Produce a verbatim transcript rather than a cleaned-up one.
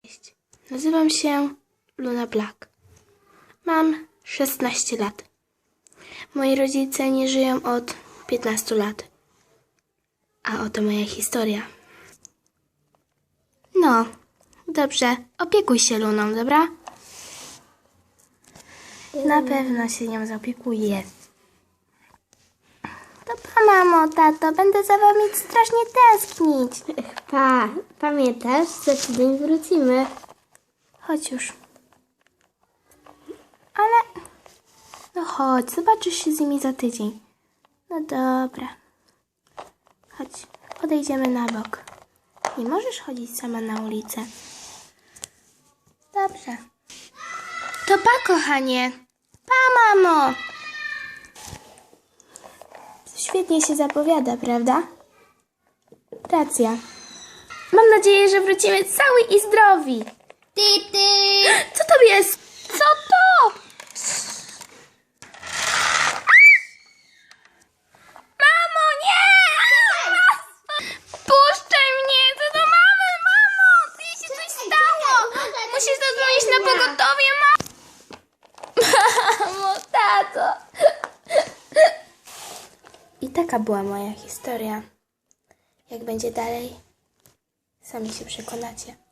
Cześć, nazywam się Luna Black. Mam szesnaście lat. Moi rodzice nie żyją od piętnastu lat. A oto moja historia. No, dobrze, opiekuj się Luną, dobra? Na pewno się nią zaopiekuję. To pa, mamo, tato, będę za wami strasznie tęsknić. Pa, pamiętasz? Za tydzień wrócimy. Chodź już. Ale... No chodź, zobaczysz się z nimi za tydzień. No dobra. Chodź, podejdziemy na bok. Nie możesz chodzić sama na ulicę. Dobrze. To pa, kochanie. Pa, mamo. Świetnie się zapowiada, prawda? Racja. Mam nadzieję, że wrócimy cały i zdrowi. Ty, ty! Co to jest? Co to? Mamo, nie! Puszczaj mnie! Co do mamy, mamo! Co się coś stało? Musisz zadzwonić na pogotowie, mamo! Mamo, tato! I taka była moja historia. Jak będzie dalej, sami się przekonacie.